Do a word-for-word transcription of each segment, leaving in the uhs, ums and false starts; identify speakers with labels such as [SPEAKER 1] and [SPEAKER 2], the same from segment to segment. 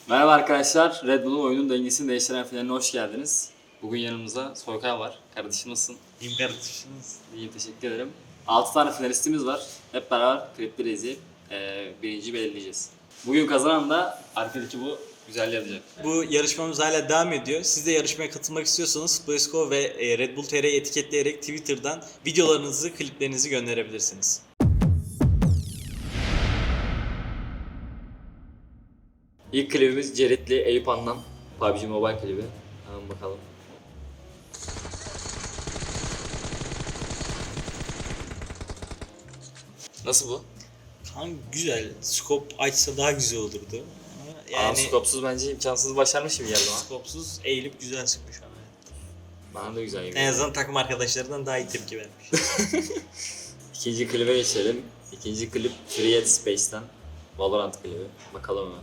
[SPEAKER 1] Merhaba arkadaşlar, Red Bull'un oyunun dengesini değiştiren finaline hoş geldiniz. Bugün yanımızda Soykay var. Kardeşim nasılsın?
[SPEAKER 2] İyiyim kardeşiniz.
[SPEAKER 1] İyiyim, teşekkür ederim. altı tane finalistimiz var. Hep beraber klipleri izleyip e, birinciyi belirleyeceğiz. Bugün kazanan da arkadaki bu güzelliği yapacak.
[SPEAKER 2] Bu yarışmamız hala devam ediyor. Siz de yarışmaya katılmak istiyorsanız Playsko ve Red Bull T R'yi etiketleyerek Twitter'dan videolarınızı, kliplerinizi gönderebilirsiniz.
[SPEAKER 1] İlk klibimiz Ceritli Eyüp Anlan. P U B G Mobile klibi. Hemen bakalım. Nasıl bu?
[SPEAKER 2] Kanka güzel. Scope açsa daha güzel olurdu. Ama
[SPEAKER 1] Yani...
[SPEAKER 2] yani
[SPEAKER 1] Aa, skopsuz bence imkansız başarmış gibi geldi bana.
[SPEAKER 2] skopsuz eğilip güzel sıkmış ama.
[SPEAKER 1] Bana da güzel gibi.
[SPEAKER 2] En azından takım arkadaşlarından daha iyi tepki vermiş.
[SPEAKER 1] İkinci klibe geçelim. İkinci klip Free at Space'ten. Valorant klibi. Bakalım hemen.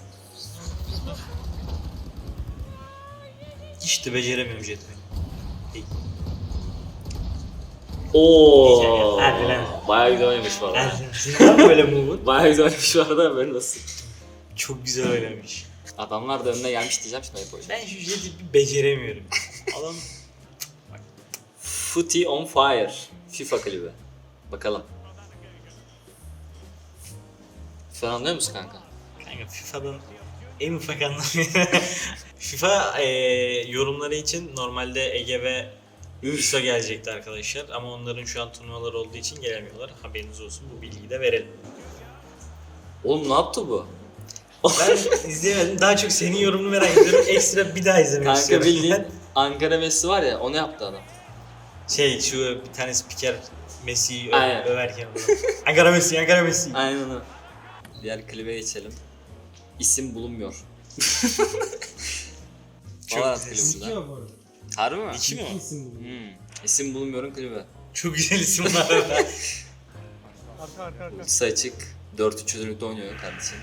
[SPEAKER 2] Hiç de beceremiyorum jetpack.
[SPEAKER 1] Ooo.
[SPEAKER 2] Hadi lan.
[SPEAKER 1] Bayağı güzel oynamış bu arada.
[SPEAKER 2] Senin var mı böyle move'un?
[SPEAKER 1] Bayağı güzel oynamış bu arada, böyle nasıl?
[SPEAKER 2] Çok güzel oynamış.
[SPEAKER 1] Adamlar da önüne gelmiş diyeceğim şimdi hep oyun.
[SPEAKER 2] Ben şu jeti bir beceremiyorum. Adam
[SPEAKER 1] Footy on Fire. FIFA klibi. Bakalım. Sen anlıyor musun kanka?
[SPEAKER 2] kanka FIFA'dan en ufak anlamıyorum. FIFA e, yorumları için normalde Ege ve İso gelecekti arkadaşlar ama onların şu an turnuvalar olduğu için gelemiyorlar. Haberiniz olsun, bu bilgiyi de verelim.
[SPEAKER 1] Oğlum ne yaptı bu?
[SPEAKER 2] Ben izleyemedim. Daha çok senin yorumunu merak ediyorum. Ekstra bir daha izlemek
[SPEAKER 1] Kanka
[SPEAKER 2] istiyorum.
[SPEAKER 1] bildiğin Ankara Messi var ya, onu yaptı adam.
[SPEAKER 2] Şey şu bir tane spiker Messi'yi
[SPEAKER 1] Aynen.
[SPEAKER 2] ö- överken. Ankara Messi, Ankara Messi.
[SPEAKER 1] Aynen o. Diğer klibe geçelim. İsim bulunmuyor.
[SPEAKER 2] Çok
[SPEAKER 1] Valorant
[SPEAKER 2] güzel.
[SPEAKER 1] klibi bu da. Harbi mi?
[SPEAKER 2] İki mi o?
[SPEAKER 1] Hmm. İsim bulunmuyor'un klibi.
[SPEAKER 2] Çok güzel isim var arada.
[SPEAKER 1] Ultisi açık. dört üç çözünürlükte oynuyor kardeşim.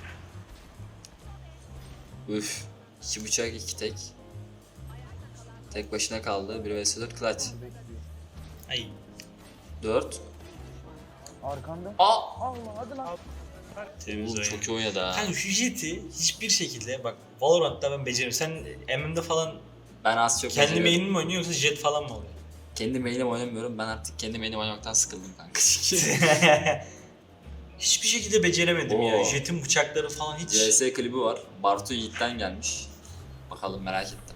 [SPEAKER 1] Üf. iki bıçak iki tek. Tek başına kaldı. bir vs dört clutch.
[SPEAKER 2] Ay.
[SPEAKER 1] dört.
[SPEAKER 3] Arkanda.
[SPEAKER 1] Aa!
[SPEAKER 3] Allah hadi lan.
[SPEAKER 2] Temiz
[SPEAKER 1] Oğlum
[SPEAKER 2] oyun.
[SPEAKER 1] çok iyi oynadı ha.
[SPEAKER 2] Kanka şu jeti hiçbir şekilde bak Valorant'ta ben beceririm. Sen M M'de falan
[SPEAKER 1] Ben az çok
[SPEAKER 2] kendi
[SPEAKER 1] beceriyorum.
[SPEAKER 2] main'in mi oynuyor yoksa jet falan mı oluyor?
[SPEAKER 1] Kendi main'im oynamıyorum. Ben artık kendi main'im oynamaktan sıkıldım kanka.
[SPEAKER 2] Hiçbir şekilde beceremedim ya.
[SPEAKER 1] Oo.
[SPEAKER 2] Jet'in bıçakları falan hiç.
[SPEAKER 1] C S klibi var. Bartu Yiğit'ten gelmiş. Bakalım, merak ettim.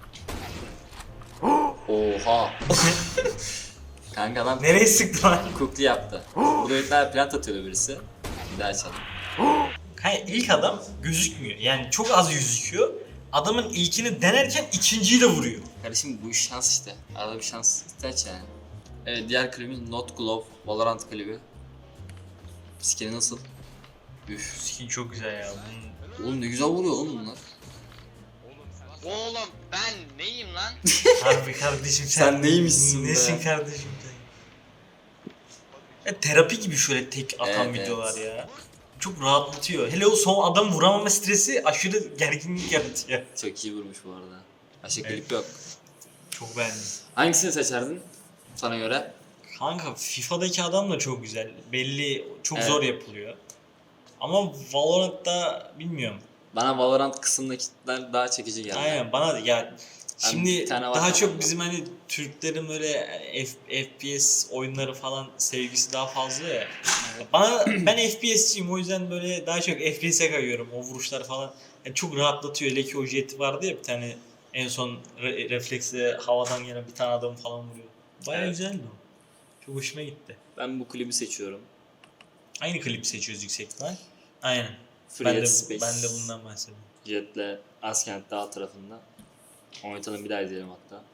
[SPEAKER 1] Oha! Kanka adam
[SPEAKER 2] Nereye sıktı lan?
[SPEAKER 1] cookly yaptı. Burada bir tane plant atıyordu birisi. Bir daha açalım.
[SPEAKER 2] Kanka ilk adam gözükmüyor. Yani çok az gözüküyor. Adamın ilkini denerken ikinciyi de vuruyor.
[SPEAKER 1] Kardeşim bu iş şans işte. Arada bir şans ihtiyaç yani. Evet, diğer klibimiz Not Glove Valorant klibi. Skin'i nasıl? Üf.
[SPEAKER 2] Skin çok güzel ya. Bunun...
[SPEAKER 1] Oğlum ne güzel vuruyor oğlum bunlar.
[SPEAKER 4] Oğlum ben neyim lan?
[SPEAKER 2] Harbi kardeşim sen,
[SPEAKER 1] Sen neymişsin be?
[SPEAKER 2] Nesin kardeşim sen? Ya, terapi gibi şöyle tek atan
[SPEAKER 1] Evet,
[SPEAKER 2] videolar
[SPEAKER 1] evet.
[SPEAKER 2] ya. Çok rahatlatıyor. Hele o son adam vuramama stresi aşırı gerginlik yaratıyor.
[SPEAKER 1] Çok iyi vurmuş bu arada. Başka
[SPEAKER 2] Evet.
[SPEAKER 1] klip yok.
[SPEAKER 2] Çok beğendim.
[SPEAKER 1] Hangisini seçerdin sana göre?
[SPEAKER 2] Kanka FIFA'daki adam da çok güzel. Belli çok
[SPEAKER 1] Evet.
[SPEAKER 2] zor yapılıyor. Ama Valorant'ta bilmiyorum.
[SPEAKER 1] Bana Valorant kısımdakiler daha çekici geldi.
[SPEAKER 2] Aynen bana da ya
[SPEAKER 1] Ben
[SPEAKER 2] şimdi
[SPEAKER 1] bir tane var
[SPEAKER 2] daha
[SPEAKER 1] kafamda.
[SPEAKER 2] çok bizim hani Türklerin böyle F- FPS oyunları falan sevgisi daha fazla ya. Bana ben F P S'ciyim, o yüzden böyle daha çok F P S'e kayıyorum. O vuruşlar falan yani çok rahatlatıyor. Hele ki o jet vardı ya bir tane en son re- refleksle havadan gelen bir tane adamı falan vuruyor. Bayağı
[SPEAKER 1] Evet.
[SPEAKER 2] güzeldi o. Çok hoşuma gitti.
[SPEAKER 1] Ben bu klibi seçiyorum.
[SPEAKER 2] Aynı klip seçiyoruz yüksek ihtimal. Aynen.
[SPEAKER 1] Free
[SPEAKER 2] Ben
[SPEAKER 1] at
[SPEAKER 2] de,
[SPEAKER 1] Space.
[SPEAKER 2] ben de bundan bahsediyorum.
[SPEAKER 1] Jet'le Askent Dağ tarafında. Oynatalım, bir daha izleyelim hatta.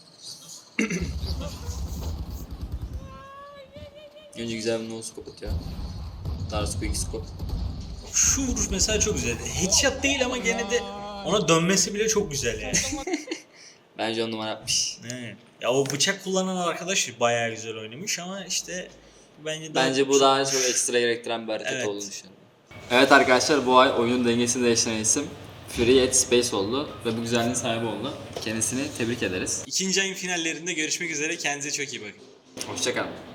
[SPEAKER 1] Önce güzel bir no-scope atıyor. Daha sonra quick scope.
[SPEAKER 2] Şu vuruş mesela çok güzel. Headshot değil ama gene de ona dönmesi bile çok güzel yani.
[SPEAKER 1] Bence on numara yapmış.
[SPEAKER 2] Evet. Ya o bıçak kullanan arkadaş bayağı güzel oynamış ama işte bence daha
[SPEAKER 1] Bence bu
[SPEAKER 2] çok-
[SPEAKER 1] daha çok ekstra gerektiren bir hareket
[SPEAKER 2] Evet.
[SPEAKER 1] olduğunu düşünüyorum. Evet arkadaşlar, bu ay oyunun dengesini değiştiren isim Free at Space oldu ve bu güzelliğin sahibi oldu. Kendisini tebrik ederiz.
[SPEAKER 2] İkinci ayın finallerinde görüşmek üzere. Kendinize çok iyi bakın.
[SPEAKER 1] Hoşçakalın.